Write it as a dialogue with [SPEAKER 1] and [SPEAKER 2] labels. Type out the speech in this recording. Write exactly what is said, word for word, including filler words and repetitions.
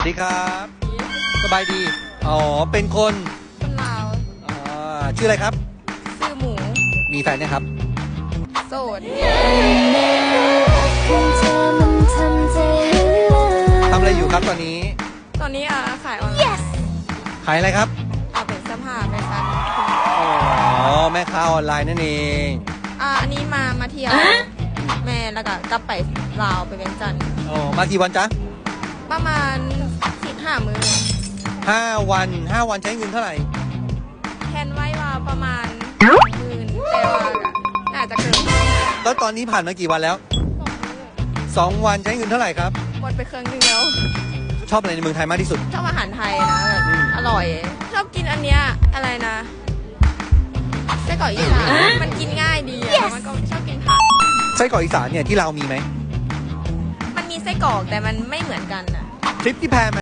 [SPEAKER 1] สวัสดีครับสบายดีอ๋อเป็นคน
[SPEAKER 2] คนลาว
[SPEAKER 1] อ่าชื่ออะไรครับ
[SPEAKER 2] ซื้อหมู
[SPEAKER 1] มีแฟนเนี่ยครับ
[SPEAKER 2] โสด
[SPEAKER 1] ทำอะไรอยู่ครับตอนนี้
[SPEAKER 2] ตอนนี้อ่ะขายออนไลน์
[SPEAKER 1] ขายอะไรครับ
[SPEAKER 2] เอาเป็นเสื้อผ้าแฟชั่น
[SPEAKER 1] อ๋อแม่ค้าออนไลน์นั่นเอง
[SPEAKER 2] อ่ะอันนี้มามาเที่ยวแม่แล้วก็กลับไปลาวไปเวียงจันทร์
[SPEAKER 1] อ๋อมากี่วันจ๊ะ
[SPEAKER 2] ประมาณสิบห้ามื้อ
[SPEAKER 1] ห้าวันห้าวันใช้เงินเท่าไหร่
[SPEAKER 2] แทนไว้ว่าประมาณหมื่นแต่ว่าน่าจะเกิน
[SPEAKER 1] แล้วตอนนี้ผ่านมากี่วันแล้ว
[SPEAKER 2] สองมื้อ
[SPEAKER 1] สองวันใช้เงินเท่าไหร่ครับ
[SPEAKER 2] หมดไปเครื่องนึงแล้ว
[SPEAKER 1] ชอบอะไรในเมืองไทยมากที่สุด
[SPEAKER 2] ชอบอาหารไทยนะแบบอร่อย ชอบกินอันเนี้ยอะไรนะไส้กรอกอีสานมันกินง่ายดีอะมันก็ชอบกินผัก
[SPEAKER 1] ไส้กรอกอีสานเนี่ยที่เรามีไหม
[SPEAKER 2] มันมีไส้กรอกแต่มันไม่เหมือนกันอะ
[SPEAKER 1] ทริปที่แพร